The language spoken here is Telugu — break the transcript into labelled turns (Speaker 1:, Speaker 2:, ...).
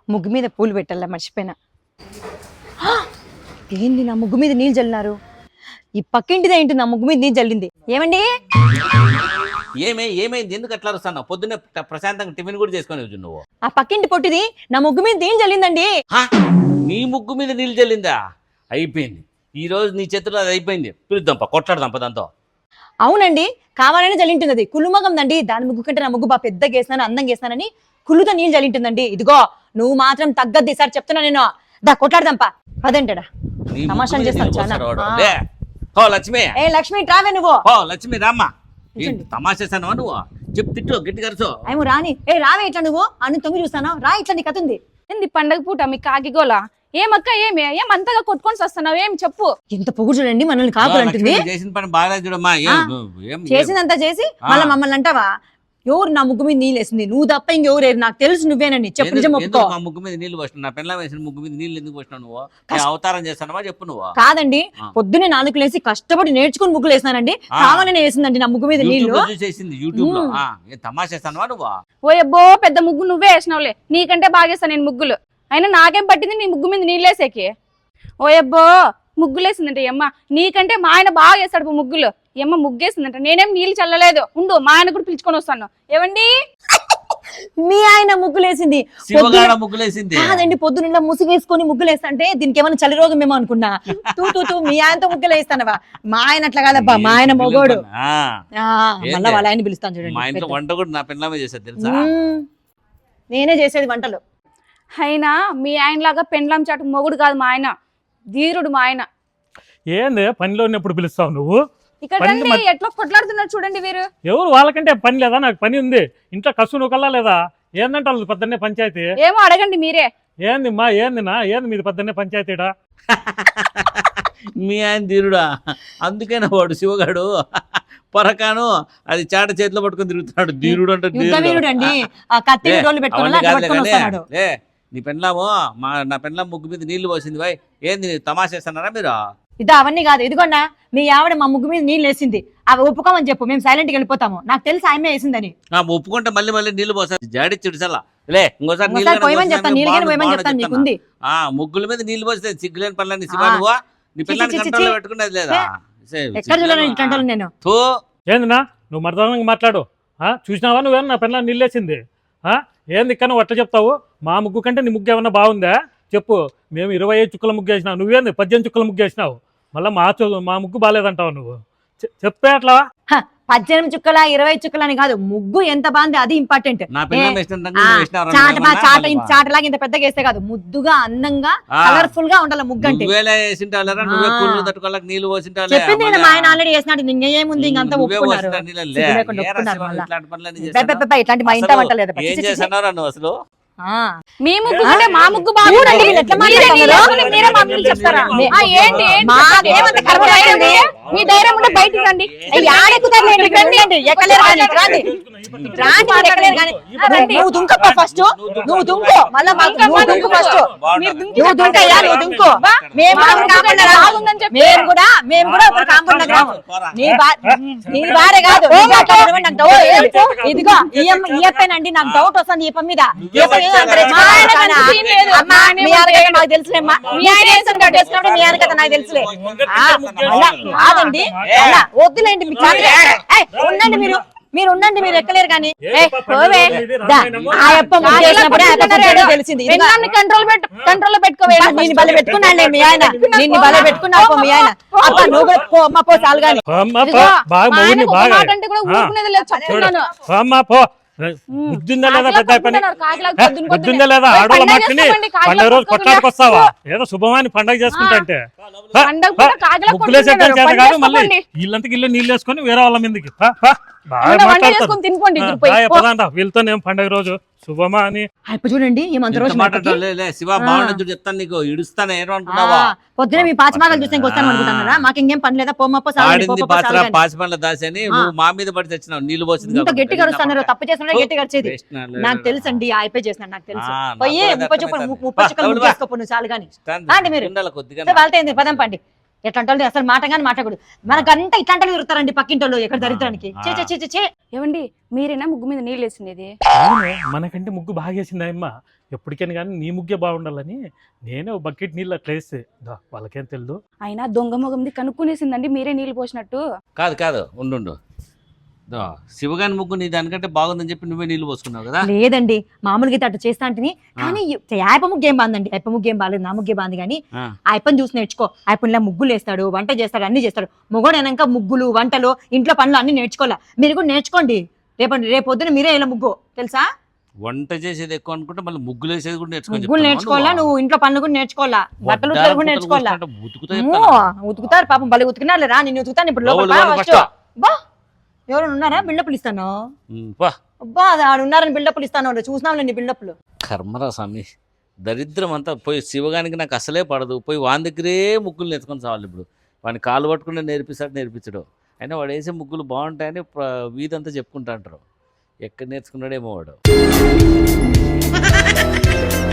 Speaker 1: ముగ్గు మీద పూలు పెట్టాలా మర్చిపోయినా. ఏంది నా ముగ్గు మీద నీళ్ళు చల్లినారు? ఈ పక్కింటిదే ఏంటి నా ముగ్గు మీద నీళ్ళు చల్లింది? ఏమండి
Speaker 2: ఏమైంది? ఎందుకు అట్లా వస్తున్నావు? పొద్దున్నే ప్రశాంతంగా టిఫిన్ కూడా చేసుకొని నువ్వు.
Speaker 1: ఆ పక్కింటి పొట్టిది నా ముగ్గు మీద నీళ్ళు చల్లిందండి.
Speaker 2: నీ ముగ్గు మీద నీళ్ళు చల్లిందా? అయిపోయింది, ఈ రోజు నీ చేతిలో అది అయిపోయింది. పిలుద్దాంపా, కొట్లాడదాంపా దాంతో.
Speaker 1: అవునండి, కావాలనే చల్లింటుంది అది. కుళ్ళుమగందండి. దాని ముగ్గు కంటే నా ముగ్గు బాగా పెద్దగా వేసినాను, అందంగా వేసినానని కుళ్ళుతో నీళ్ళు చల్లింటుందండి. ఇదిగో నువ్వు మాత్రం తగ్గద్ది సార్ చెప్తున్నా నేను. దా కొట్లాడదాంపా పదంటాడా. తమాషా చేస్తాను చాలా.
Speaker 2: ఓ లక్ష్మి,
Speaker 1: ఏ లక్ష్మి ట్రావే నువ్వు.
Speaker 2: ఓ లక్ష్మి రామ్మా. తమాషేసాను నువ్వు, చెప్పు తిట్టు గట్టి కరుచు.
Speaker 1: ఏమో రాని. ఏ రావే ఇట్లా నువ్వు అన్ని తొంగి చూస్తాను. రా ఇట్లా నీ కథ ఉంది.
Speaker 3: ఏంది పండగ పూట మీ కాకిగోలా? ఏమక్క ఏమంతగా కొట్టుకొని వస్తున్నావు? ఏం చెప్పు.
Speaker 1: ఎంత పొగుడు చూడండి మనల్ని కాకులు అంటుంది.
Speaker 2: చేసిన పని బాగా చూడమ్మా.
Speaker 1: చేసిందంతా చేసి మళ్ళీ మమ్మల్ని అంటావా? ఎవరు నా ముగ్గు మీద నీళ్ళు వేసింది? నువ్వు తప్ప ఇంకెవరు? నాకు తెలుసు నువ్వేనని చెప్పు. నిజం ఒప్పుకో.
Speaker 2: మా ముగ్గు మీద నీళ్ళు పోసిన, నా పెళ్ళ వేసిన ముగ్గు మీద నీళ్ళు ఎందుకు పోసినావు నువ్వు? అవతారం చేస్తానవా చెప్పు నువ్వు.
Speaker 1: కాదండి, పొద్దున్నే 4 లేసి కష్టపడి నేర్చుకుని ముగ్గులు వేసినానండి. కావాలనే వేసిందండి నా ముగ్గు మీద నీళ్లు.
Speaker 2: చేసింది యూట్యూబ్ లో. తమాషేస్తానవా నువ్వు?
Speaker 3: ఓ అబ్బో పెద్ద ముగ్గు నువ్వే వేసినావులే. నీకంటే బాగా వేస్తాను నేను ముగ్గులు. అయినా నాకేం పట్టింది నీ ముగ్గు మీద నీళ్ళు వేసేకి? ఓ అబ్బో ముగ్గులేసిందంట అమ్మ. నీకంటే మా ఆయన బాగా వేస్తాడు ముగ్గులు. ఏమ్మ ముగ్గేసిందంట. నేనేం నీళ్ళు చల్లలేదు. ఉండు మా ఆయన కూడా పిలుచుకొని వస్తాను. ఏవండి
Speaker 1: మీ ఆయన ముగ్గులేసింది?
Speaker 2: ముగ్గులేసింది
Speaker 1: కాదండి, పొద్దున్న ముసుగేసుకొని ముగ్గులేస్తంటే దీనికి ఏమైనా చలి రోగం ఏమో అనుకున్నా. తూ మీ ఆయనతో ముగ్గులేస్తానవా? మా ఆయన అట్లా కాదబ్బా, మా ఆయన మొగోడు. మళ్ళా వాళ్ళ ఆయన పిలుస్తాను చూడండి.
Speaker 2: మా ఇంట్లో వంట కూడా నా పెళ్ళమే చేసేది తెలుసా?
Speaker 1: నేనే చేసేది వంటలు.
Speaker 3: అయినా మీ ఆయన లాగా పెండ్లాం చాటు మొగుడు కాదు మా ఆయన, ధీరుడు మా ఆయన.
Speaker 4: ఏంది పనిలో ఉన్నప్పుడు పిలుస్తావు నువ్వు?
Speaker 3: ఇక్కడ రండి, ఎట్లా కొట్లాడుతున్నారు చూడండి వీరు.
Speaker 4: ఎవరు వాళ్ళకంటే పని లేదా? నాకు పని ఉంది ఇంట్లో. కసు నువ్వు కల్లా లేదా? ఏందంటే వాళ్ళు పొద్దున్నే పంచాయతీ.
Speaker 3: ఏమో అడగండి మీరే.
Speaker 4: ఏంది మా ఏంది మీది పొద్దున్నే పంచాయతీడా?
Speaker 2: మీ ఆయన ధీరుడా? అందుకేనా వాడు శివగాడు పొరకాను అది చాట చేతిలో పట్టుకొని తిరుగుతున్నాడు. ధీరుడు అంటే నీ పెళ్ళాము నా పెళ్ళాం ముగ్గు మీద నీళ్లు పోసింది. బాయ్ ఏంది తమాషేస్తున్నారా మీరు?
Speaker 1: ఇదా అవన్నీ కాదు. ఇదిగోండా మీ ఆవిడ మా ముగ్గు మీద నీళ్ళు వేసింది. అవి ఒప్పుకోమని చెప్పు, మేము సైలెంట్ గా వెళ్ళిపోతాము. నాకు తెలుసు ఆమె వేసిందని.
Speaker 2: ఒప్పుకుంటే మళ్ళీ నీళ్లు పోసారు. జాడిచ్చుడు సలా లే ఇంకోసారి ముగ్గుల మీద నీళ్లు పోస్తే సిగ్గులేని పనులని శివానువా నీ పిల్లల్ని కంట్రోల్లో పెట్టుకునేది లేదా?
Speaker 1: నేను
Speaker 4: ఏందినా నువ్వు మర్దానంగా మాట్లాడు. చూసినావా నువ్వేమన్నా నా పిల్లలు నీళ్ళేసింది? ఏంది ఇక్కడ నువ్వు అట్లా చెప్తావు? మా ముగ్గు కంటే నీ ముగ్గు ఏమన్నా బాగుందా చెప్పు. మేము 25 చుక్కల ముగ్గు వేసినావు, నువ్వేంది 18 చుక్కల ముగ్గు వేసినావు. మళ్ళీ మా ముగ్గు బాగాలేదంటావు నువ్వు. చెప్పే అట్లా.
Speaker 1: 18 చుక్కల 20 చుక్కల అని కాదు, ముగ్గు ఎంత బాగుంది అది ఇంపార్టెంట్. చాటలాగా ఇంత పెద్దగా వేస్తే కాదు, ముద్దుగా అందంగా కలర్ఫుల్ గా ఉండాలి ముగ్గు అంటే. చెప్పింది మా ఆయన ఆల్రెడీ వేసినట్టు. ఇంకేముంది ఇంకంతా ఒప్పుకున్నారు. ఇట్లాంటి మా ఇంట వంట లేదు.
Speaker 3: మీ ముగ్గు కంటే మా ముగ్గు బాగుంది. మీ ధైర్యం ఉంటే బయటికి రండి.
Speaker 1: నువ్వు దుంకప్ప ఫస్ట్. నువ్వు దుంకు మళ్ళా దుంకు ఫస్ట్. నువ్వు దుంకయ్యా, నువ్వు దుంకు. మేము కూడా ఒక కాంపౌండ్ గ్రామం. నీ భార్య కాదు. ఇదిగో ఈయప్పేనండి, నాకు డౌట్ వస్తుంది ఈప మీద. నాకు తెలుసులేమ్మా, మీ ఆయన మీ ఆయన కదా నాకు తెలుసులే. కాదండి వద్దులేండి, ఉండండి మీరు ఉండండి, మీరు ఎక్కలేరు కానీ. తెలిసింది
Speaker 3: కంట్రోల్ పెట్టుకోవాలి.
Speaker 1: నేను బల పెట్టుకున్నాను మీ ఆయన, నిన్ను బల పెట్టుకున్నావు మీ ఆయన. అబ్బా నువ్వు పో అమ్మ పో చాలు కానీ.
Speaker 4: బుద్ధిందా లేదా? పెద్ద పని బుద్ధిందా లేదా? ఆడోళ్ళ మట్టిని పండుగ రోజు కొట్లాడుకొస్తావా? ఏదో శుభమాని పండగ చేసుకుంటా అంటే ముగ్గులేసేద్దాం చేత కాదు. మళ్ళీ వీళ్ళంతకి ఇల్లు నీళ్ళు వేసుకొని వేరే వాళ్ళ మీదకి వీళ్ళతో ఏం పండగ రోజు శుభమా అని
Speaker 1: చూడండి. పొద్దున మీ పాచిమాగలు చూస్తే వస్తాను అనుకుంటున్నారా? మాకు ఇంకేం పని లేదా?
Speaker 2: పాచిమల్ల దాసని మా మీద పడి తెచ్చినావు నీళ్ళు పోసింది.
Speaker 1: గట్టిగా అరుస్తున్నారు, తప్పు చేస్తున్నా గట్టిగా అరిచేది నాకు తెలుసు అండి. అయిపోయి చేసిన నాకు తెలుసు. పోయి 30 చుక్కలు చేసుకో నువ్వు చాలు కానీ. మీరు వాళ్ళతో పదం పండి ఎట్లాంటి అసలు మాటగాని మాట్లాడకూడదు. మనకంతా ఇట్లాంటి తిరుగుతారండి పక్కింటోళ్ళు ఎక్కడ దరిద్రానికి. చే చే చే చే.
Speaker 3: ఏమండి మీరేనా ముగ్గు మీద నీళ్ళు వేసినది?
Speaker 4: అవును, మనకంటే ముగ్గు బాగా వేసింది అమ్మ. ఎప్పటికైనా కానీ నీ ముగ్గే బాగుండాలని నేనే ఒక బకెట్ నీళ్ళు అట్లా వేస్తే వాళ్ళకేం తెలియదు.
Speaker 3: అయినా దొంగ మొగంది కనుక్కునేసిందండి మీరే నీళ్ళు పోసినట్టు.
Speaker 2: కాదు ఉండు శివగాని ముగ్గు నీ దానికంటే బాగుందని చెప్పి నువ్వే నీళ్ళు పోసుకున్నావు కదా.
Speaker 1: లేదండి మామూలుగా అయితే అట్లా చేస్తా అంటేని, కానీ ఆయప్ప ముగ్గు ఏం బాగుందండి. ఆయప్ప ముగ్గు ఏం బాగాలేదు, నా ముగ్గే బాగుంది. కానీ ఆయప్పని చూసి నేర్చుకో. ఆయప్పనిలా ముగ్గులు వేస్తాడు, వంట చేస్తాడు, అన్ని చేస్తాడు. మొగోడైనాక ముగ్గులు, వంటలు, ఇంట్లో పనులు అన్ని నేర్చుకోవాలా. మీరు కూడా నేర్చుకోండి. రేపొద్దున మీరే ఇలా ముగ్గు తెలుసా.
Speaker 2: వంట చేసేది ఎక్కువ అనుకుంటే మళ్ళీ ముగ్గులు వేసేది కూడా
Speaker 1: ముగ్గులు నేర్చుకోవాలా, నువ్వు ఇంట్లో పనులు కూడా నేర్చుకోవాలా, బట్టలు కూడా నేర్చుకోవాలా. ఉతుకుతారు పాపం, భలే ఉతుకున్నారు రా. నేను ఉతుకుతాను ఇప్పుడు లోపల. ఎవరు ఉన్నారా? బిల్డప్లు ఇస్తాను. అబ్బా ఆడు ఉన్నారని బిల్డప్లు ఇస్తాను. చూసినాంలేండి బిల్డప్లు.
Speaker 2: కర్మరా స్వామి, దరిద్రం అంతా పోయి శివగానికి నాకు అసలే పడదు. పోయి వాని దగ్గరే ముగ్గులు నేర్చుకొని చావాలి. ఇప్పుడు వాడిని కాలు పట్టుకుంటే నేర్పించడు. అయినా వాడు వేసే ముగ్గులు బాగుంటాయని వీధంతా చెప్పుకుంటా అంటారు. ఎక్కడ నేర్చుకున్నాడేమో వాడు.